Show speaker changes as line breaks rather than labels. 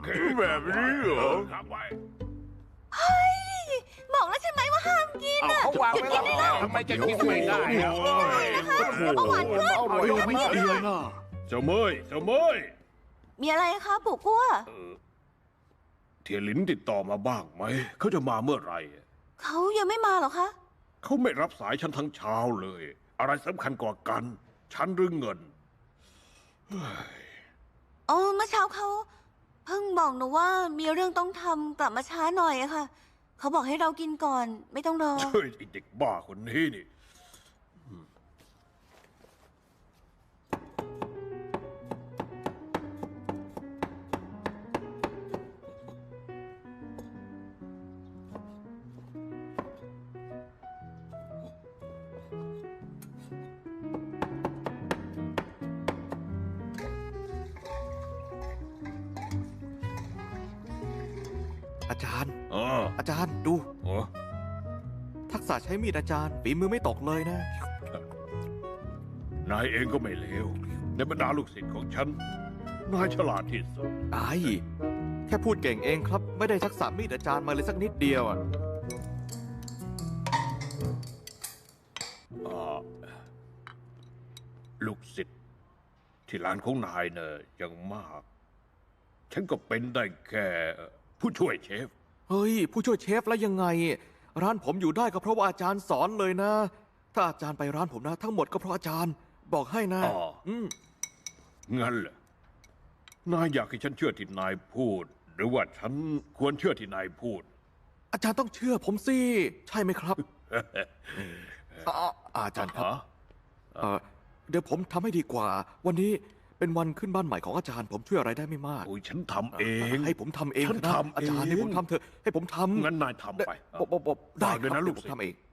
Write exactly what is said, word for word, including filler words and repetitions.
แบบนี้เหรอ
เฮ้ยบอกแล้วใช่ไหมว่าห้ามกินอ่ะ
เขาวาง
หยุด
ไว้
กิ
แล้
น
ว
ได้แล้ว
ทำไมจะกินไม่ได้
โอ้
อะ
ย
นะคะเดี๋ยวเบาหวานขึ้น
อร่อยไม่ได้
เดียวนะเจ้าเมยเจ้าเมย
มีอะไรคะปู่กั้ว
เทียหลินติดต่อมาบ้างไหมเขาจะมาเมื่อไหร่
เขายังไม่มาเหรอคะ
เขาไม่รับสายฉันทั้งเช้าเลย อะไรสำคัญกว่ากัน ฉันหรือเงิน
อ๋อเมื่อเช้าเขาเพิ่งบอกหนูว่ามีเรื่องต้องทำกลับมาช้าหน่อยอะค่ะเขาบอกให้เรากินก่อนไม่ต้องรอ
เฮ้ยไอ้เด็กบ้าคนนี้นี่
อาจารย์
อ๋อ
อาจารย์ดู
อ๋อ
ทักษะใช้มีดอาจารย์ฝีมือไม่ตกเลยนะ
นายเองก็ไม่เลวในบรรดาลูกศิษย์ของฉัน นายฉลาดที่สุด
ไอ้แค่พูดเก่งเองครับ ไม่ได้ทักษะมีดอาจารย์มาเลยสักนิดเดียวอ่ะ
อ่าลูกศิษย์ที่ร้านของนายเนอะยังมาก ฉันก็เป็นได้แค่ผู้ช่วยเชฟ
เฮ้ย ผู้ช่วยเชฟแล้วยังไง ร้านผมอยู่ได้ก็เพราะว่าอาจารย์สอนเลยนะ ถ้าอาจารย์ไปร้านผมนะ ทั้งหมดก็เพราะอาจารย์บอกให้นะ
อ๋อ
อืม
งั้นเหรอนายอยากให้ฉันเชื่อที่นายพูด หรือว่าฉันควรเชื่อที่นายพูด
อาจารย์ต้องเชื่อผมสิใช่ไหมครับอ่าอาจารย์ครับ
ฮะ
เอ่อเดี๋ยวผมทำให้ดีกว่า วันนี้เป็นวันขึ้นบ้านใหม่ของอาจารย์ ผมช่วยอะไรได้ไม่มาก
โอ้ยฉันทำเอง
ให้ผมทำเอง
ฉัน
นะ
ทำ
อาจารย์
เอง
ให้ผมทำเถอะให้ผมทำ
งั้นนายทำไป
บบบบได้
ฝากด้วยนะ
ครับ
ลูก
เดี๋ยวผม
ศิษย์
ทำเอง